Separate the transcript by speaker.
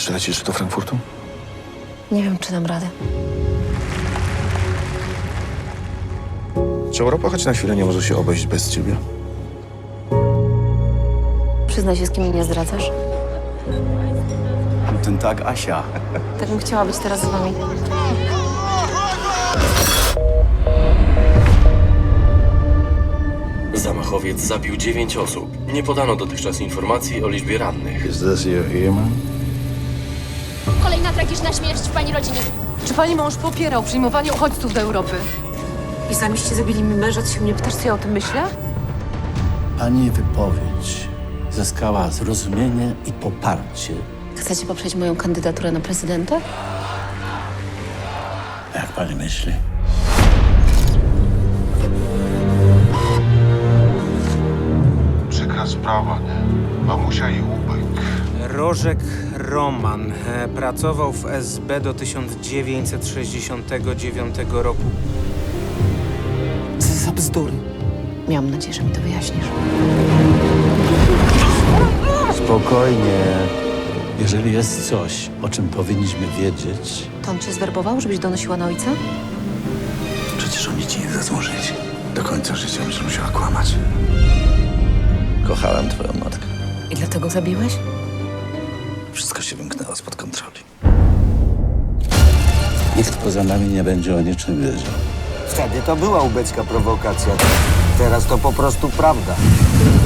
Speaker 1: Przylecisz do Frankfurtu?
Speaker 2: Nie wiem, czy dam radę.
Speaker 1: Czy Europa choć na chwilę nie może się obejść bez ciebie?
Speaker 2: Przyznaj się, z kim mnie nie zdradzasz.
Speaker 3: Ten tak, Asia.
Speaker 2: Tak bym chciała być teraz z wami.
Speaker 4: Zamachowiec zabił 9 osób. Nie podano dotychczas informacji o liczbie rannych.
Speaker 1: Is this your earman?
Speaker 5: Kolejna tragiczna śmierć w pani rodzinie.
Speaker 6: Czy pani mąż popierał przyjmowanie uchodźców do Europy?
Speaker 2: Islamiści zabili mi męża, ty się mnie pytasz, co ja o tym myślę?
Speaker 3: Pani wypowiedź zyskała zrozumienie i poparcie.
Speaker 2: Chcecie poprzeć moją kandydaturę na prezydenta?
Speaker 3: Jak pani myśli?
Speaker 7: Przykra sprawa. Mamusia i Łubek.
Speaker 8: Rożek Roman pracował w SB do 1969 roku.
Speaker 3: Za bzdury.
Speaker 2: Miałam nadzieję, że mi to wyjaśnisz.
Speaker 3: Spokojnie. Jeżeli jest coś, o czym powinniśmy wiedzieć,
Speaker 2: To on cię zwerbował, żebyś donosiła na ojca?
Speaker 1: Przecież oni ci nie dadzą żyć. Do końca życia będziesz musiała kłamać. Kochałem twoją matkę.
Speaker 2: I dlatego zabiłeś?
Speaker 1: Wszystko się wymknęło spod kontroli.
Speaker 3: nikt poza nami nie będzie o niczym wiedział.
Speaker 9: Wtedy to była ubecka prowokacja. Teraz to po prostu prawda.